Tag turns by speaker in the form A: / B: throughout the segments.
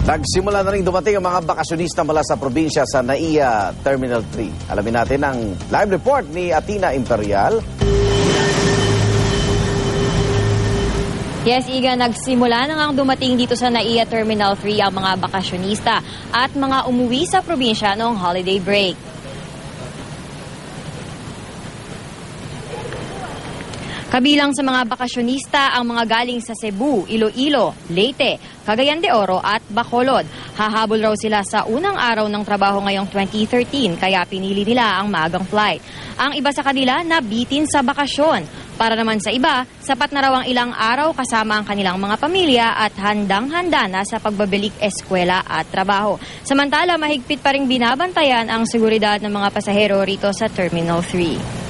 A: Nagsimula na rin dumating ang mga bakasyonista mula sa probinsya sa NAIA Terminal 3. Alamin natin ang live report ni Atina Imperial.
B: Yes, Iga, nagsimula na ngang dumating dito sa NAIA Terminal 3 ang mga bakasyonista at mga umuwi sa probinsya noong holiday break. Kabilang sa mga bakasyonista ang mga galing sa Cebu, Iloilo, Leyte, Cagayan de Oro at Bacolod. Hahabol raw sila sa unang araw ng trabaho ngayong 2013 kaya pinili nila ang maagang flight. Ang iba sa kanila nabitin sa bakasyon. Para naman sa iba, sapat na raw ang ilang araw kasama ang kanilang mga pamilya at handang-handa na sa pagbabalik eskwela at trabaho. Samantala, mahigpit pa ring binabantayan ang seguridad ng mga pasahero rito sa Terminal 3.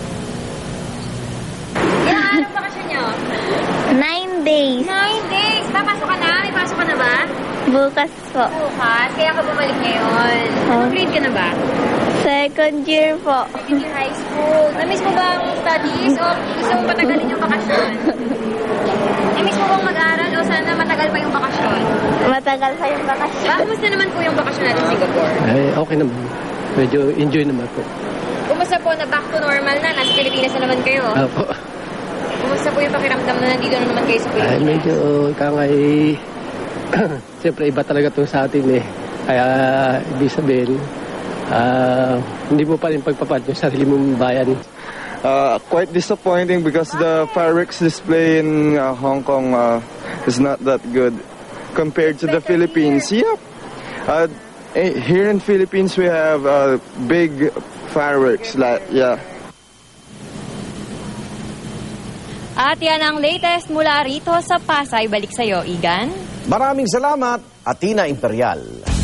C: 9 days.
B: 9 days. Papasok ka na? May pasok ka na ba?
C: Bukas po.
B: Bukas. Kaya ka bumalik ngayon. Anong grade ka na ba?
C: Second year po.
B: Second year high school. Na-miss mo ba ang studies o gusto mo patagalin yung bakasyon? Na-miss mo bang mag-aral o sana matagal pa yung bakasyon?
C: Matagal pa yung bakasyon.
B: Kumusta naman po yung bakasyon natin sa Singapore?
D: Ay, okay naman. Medyo enjoy naman po.
B: Kumusta po na back to normal na? Nasa Pilipinas na naman kayo.
D: Opo.
B: Kumusta po yung pakiramdam na nandito na naman kayo sa
D: Ay,
B: Pilipinas?
D: medyo kangay... Siyempre, iba talaga to sa atin eh. Kaya, ibig sabihin, hindi mo pa rin pagpapat yung sarili mong bayan.
E: Quite disappointing because the fireworks display in Hong Kong is not that good compared to the Philippines. Yep. Here in Philippines, we have big fireworks.
B: At yan ang latest mula rito sa Pasay. Balik sa'yo, Igan.
A: Maraming salamat, Atina Imperial.